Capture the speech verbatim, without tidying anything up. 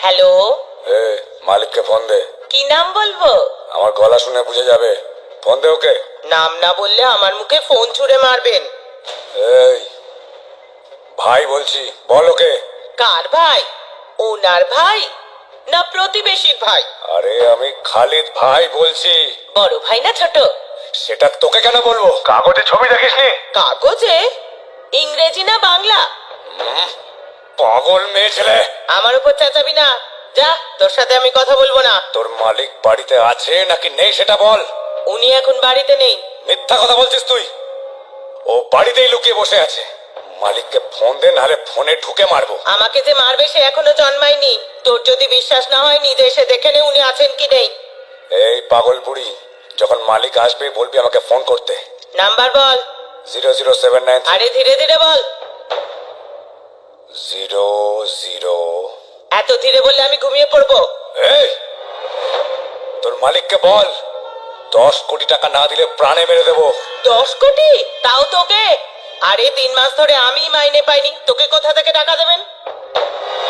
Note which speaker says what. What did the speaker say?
Speaker 1: Hello,
Speaker 2: এ মালিককে phone দে।
Speaker 1: কি নাম বলবো?
Speaker 2: আমার গলা শুনে বুঝে যাবে। ফোন দে ওকে।
Speaker 1: নাম না বললে আমার মুখে ফোন ছুঁড়ে মারবেন।
Speaker 2: এই ভাই বলছি, বল ওকে।
Speaker 1: কার ভাই? ওনার ভাই না প্রতিবেশীর ভাই?
Speaker 2: আরে আমি খালিদ ভাই বলছি।
Speaker 1: বড় ভাই না ছোট?
Speaker 2: সেটা তোকে কেন বলবো? কাগজে ছবি দেখিসনি?
Speaker 1: কাগজে? ইংরেজি না বাংলা?
Speaker 2: পাগল মেয়ে ছেলে।
Speaker 1: আমার উপর চেঁচাবি না, যা, তোর সাথে আমি কথা বলবো না।
Speaker 2: তোর মালিক বাড়িতে আছে নাকি নেই সেটা বল।
Speaker 1: উনি এখন বাড়িতে নেই।
Speaker 2: মিথ্যা কথা বলছিস তুই। ও বাড়িতেই লুকিয়ে বসে আছে। মালিককে ফোন দে, নাহলে ফোনে ঢুকে মারবো।
Speaker 1: আমাকে যে মারবে সে এখনো জন্মায়নি। তোর যদি বিশ্বাস না হয় নিজে এসে দেখে নে উনি আছেন কি নেই।
Speaker 2: এই পাগল বুড়ি, যখন মালিক আসবে বলবি আমাকে ফোন করতে।
Speaker 1: নাম্বার বল।
Speaker 2: জিরো জিরো সেভেন নাইন
Speaker 1: আরে ধীরে ধীরে বল।
Speaker 2: Zero zero.
Speaker 1: এত ধীরে বললে আমি ঘুমিয়ে পড়বো।
Speaker 2: এই তোর মালিককে বল দশ কোটি টাকা না দিলে প্রাণে মেরে দেবো।
Speaker 1: দশ কোটি? তাও তোকে? আরে তিন মাস ধরে আমি মাইনে পাইনি, তোকে কোথা থেকে টাকা দেবেন?